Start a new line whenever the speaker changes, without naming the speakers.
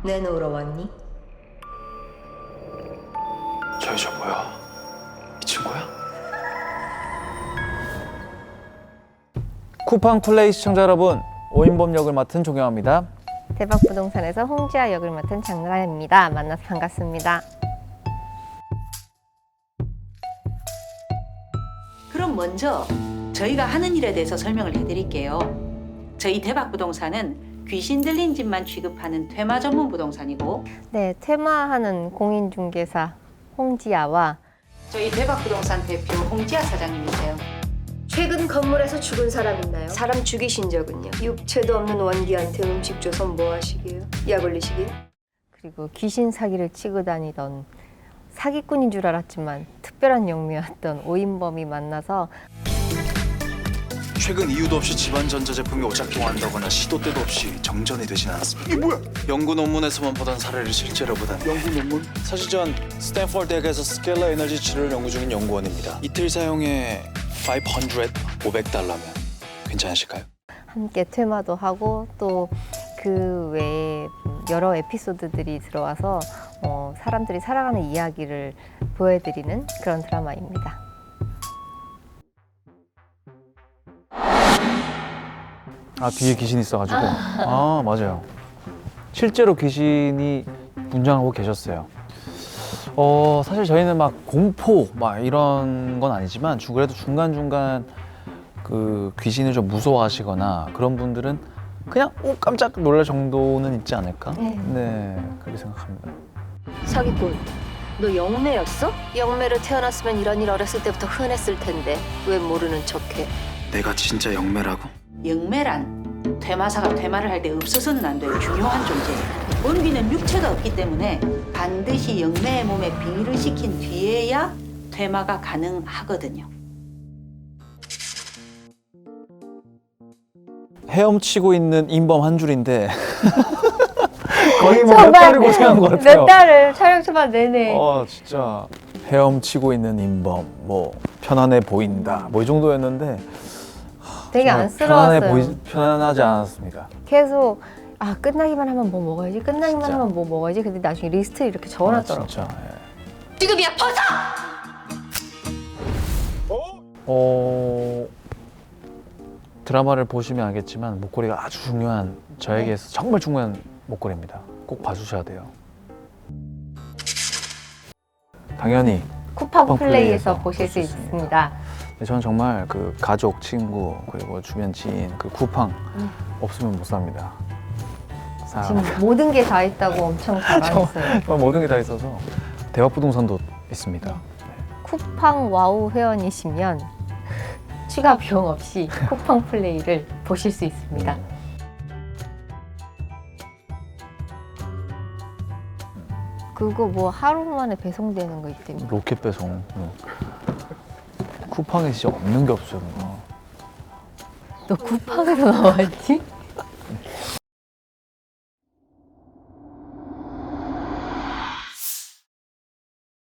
내놓으러 왔니?
저 여자 뭐야? 이 친구야?
쿠팡 플레이 시청자 여러분, 오인범 역을 맡은 조경아입니다.
대박부동산에서 홍지아 역을 맡은 장나라입니다. 만나서 반갑습니다.
그럼 먼저 저희가 하는 일에 대해서 설명을 해드릴게요. 저희 대박부동산은 귀신 들린 집만 취급하는 퇴마 전문 부동산이고,
네, 퇴마하는 공인중개사 홍지아와
저희 대박부동산 대표 홍지아 사장님이세요.
최근 건물에서 죽은 사람 있나요? 사람 죽이신 적은요? 육체도 없는 원기한테 음식 줘서 뭐 하시게요? 약 올리시게요?
그리고 귀신 사기를 치고 다니던 사기꾼인 줄 알았지만 특별한 영미였던 오인범이 만나서
최근 이유도 없이 집안 전자제품이 오작동한다거나 시도 때도 없이 정전이 되진 않았습니다. 이게 뭐야? 연구 논문에서만 보던 사례를 실제로 보다니. 연구 논문? 사실 전 스탠포드 대학에서 스켈러 에너지 치료를 연구 중인 연구원입니다. 이틀 사용에 500달러면 괜찮으실까요?
함께 퇴마도 하고 또 그 외에 여러 에피소드들이 들어와서 사람들이 살아가는 이야기를 보여드리는 그런 드라마입니다.
아, 뒤에 귀신이 있어가지고. 아, 맞아요. 실제로 귀신이 분장하고 계셨어요. 사실 저희는 막 공포 막 이런 건 아니지만 그래도 중간중간 그 귀신을 좀 무서워하시거나 그런 분들은 그냥 깜짝 놀랄 정도는 있지 않을까? 네, 그렇게 생각합니다.
사기꾼, 너 영매였어? 영매로 태어났으면 이런 일 어렸을 때부터 흔했을 텐데 왜 모르는 척해?
내가 진짜 영매라고?
영매란 퇴마사가 퇴마를 할 때 없어서는 안 될 중요한 존재예요. 원귀는 육체가 없기 때문에 반드시 영매의 몸에 빙의를 시킨 뒤에야 퇴마가 가능하거든요.
헤엄치고 있는 인범 한 줄인데 거의 뭐 몇
정말
달을 고생한 것 같아요.
몇 달을 촬영 초반 내내
진짜 헤엄치고 있는 인범, 뭐 편안해 보인다, 뭐 이 정도였는데
되게
정말
안쓰러웠어요.
편안하지 않았습니다.
계속 끝나기만 하면 뭐 먹어야지, 끝나기만
진짜.
하면 뭐 먹어야지. 근데 나중에 리스트 이렇게
아,
적어놨더라고.
진짜. 예.
지금이야 벗어!
드라마를 보시면 알겠지만 목걸이가 아주 중요한, 저에게서 정말 중요한 목걸이입니다. 꼭 봐주셔야 돼요. 당연히
쿠팡
쿠팡
플레이에서
플레이에서
보실 수
볼수 있습니다.
있습니다.
저는 정말 그 가족, 친구, 그리고 주변 지인, 그 쿠팡 없으면 못 삽니다.
지금 모든 게 다 있다고 엄청 자랑했어요.
정말 모든 게 다 있어서 대박부동산도 있습니다.
쿠팡 와우 회원이시면 추가 비용 없이 쿠팡 플레이를 보실 수 있습니다. 그거 뭐 하루 만에 배송되는 거 있대요.
로켓 배송. 쿠팡에 진짜 없는 게 없어요. 뭔가.
너 쿠팡에서 나왔지?